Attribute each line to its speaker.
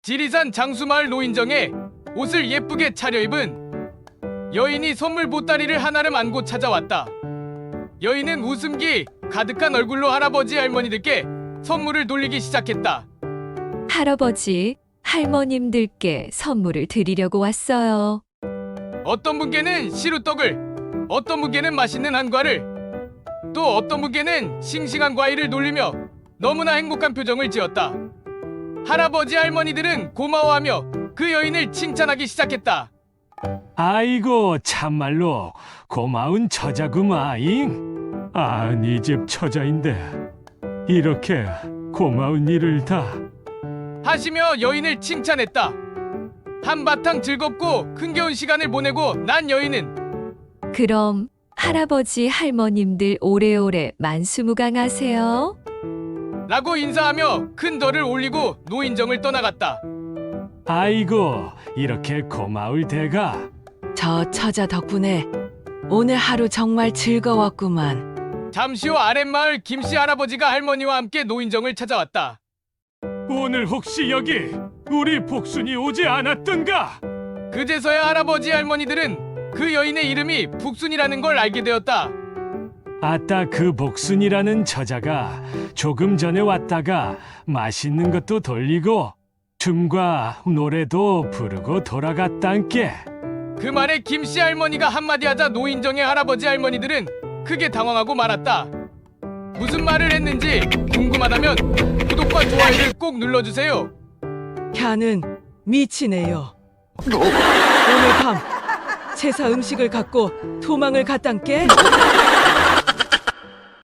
Speaker 1: 지리산 장수마을 노인정에 옷을 예쁘게 차려입은 여인이 선물 보따리를 한아름 안고 찾아왔다. 여인은 웃음기 가득한 얼굴로 할아버지 할머니들께 선물을 돌리기 시작했다.
Speaker 2: 할아버지, 할머님들께 선물을 드리려고 왔어요.
Speaker 1: 어떤 분께는 시루떡을, 어떤 분께는 맛있는 한과를, 또 어떤 분께는 싱싱한 과일을 돌리며 너무나 행복한 표정을 지었다. 할아버지 할머니들은 고마워하며 그 여인을 칭찬하기 시작했다.
Speaker 3: 아이고 참말로 고마운 처자구마잉. 네 집 처자인데 이렇게 고마운 일을 다.
Speaker 1: 하시며 여인을 칭찬했다. 한바탕 즐겁고 흥겨운 시간을 보내고 난 여인은
Speaker 2: 그럼 할아버지 할머님들 오래오래 만수무강하세요.
Speaker 1: 라고 인사하며 큰 덜을 올리고 노인정을 떠나갔다.
Speaker 3: 아이고 이렇게 고마울 대가.
Speaker 4: 저 처자 덕분에 오늘 하루 정말 즐거웠구만.
Speaker 1: 잠시 후 아랫마을 김씨 할아버지가 할머니와 함께 노인정을 찾아왔다.
Speaker 3: 오늘 혹시 여기 우리 복순이 오지 않았던가?
Speaker 1: 그제서야 할아버지 할머니들은 그 여인의 이름이 북순이라는 걸 알게 되었다.
Speaker 3: 아따 그 복순이라는 처자가 조금 전에 왔다가 맛있는 것도 돌리고 춤과 노래도 부르고 돌아갔단께.
Speaker 1: 그 말에 김씨 할머니가 한마디 하자 노인정의 할아버지 할머니들은 크게 당황하고 말았다. 무슨 말을 했는지 궁금하다면 구독과 좋아요를 꼭 눌러주세요.
Speaker 4: 캬는 미치네요. 오늘 밤 제사 음식을 갖고 도망을 갔단께.